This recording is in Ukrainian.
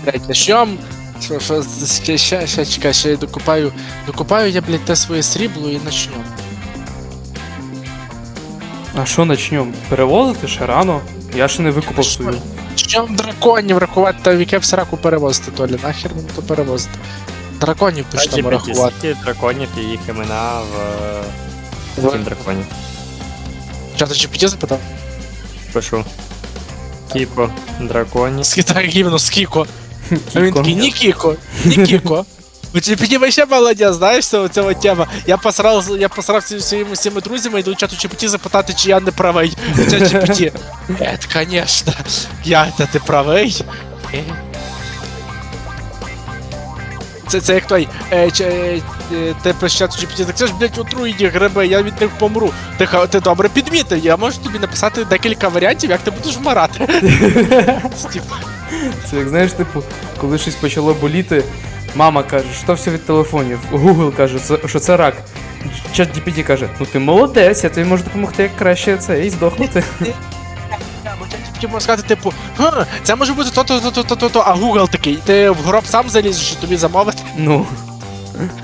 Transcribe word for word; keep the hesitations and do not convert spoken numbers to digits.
блядь, начнем. Що, що, ще, ще, ще, чекай, ще я докупаю, докупаю я, блядь, те своє срібло і начнем. А що начнем? Перевозити ще рано? Я ще не викупав Що? свою. Начнем драконів рахувати, та в яке в сраку перевозити, Толі, нахер нам то перевозити. Драконів почнемо рахувати. Скільки драконів і їх імена в В- Steam драконів. Що, ти Джі Пі Ті запитав? Пишу. Кіпо драконів. Скитай гімно, скіко. А він Кіко. такий, ні Кіко, ні Кіко. У Джі Пі Ті вообще молодець, знаєш, цього, цього тема. Я посрав, я посрав зі своїми всіми друзями, йду в чату Джі Пі Ті запитати, чи я не правий. Чат Джі Пі Ті. Ет, конечно. Я, та ти правий? Е. Це, це як той, е, ч, е, е, ти пишеш чату Джі Пі Ті, так це ж, блядь, отруєні гриби, я від них помру. Ти, ха- ти добре підмітив, я можу тобі написати декілька варіантів, як ти будеш вмирати. Це, типу, Це як знаєш, типу, коли щось почало боліти, мама каже, що все від телефонів. Google каже, це- що це рак. Чат Джі Пі Ті каже, ну ти молодець, я тобі можу допомогти як краще це і здохнути. Бо тільки можна сказати, типу, ха, це може бути то-то, то-то, то-то, то, а Google такий, ти в гроб сам залізеш, що тобі замовити. Ну.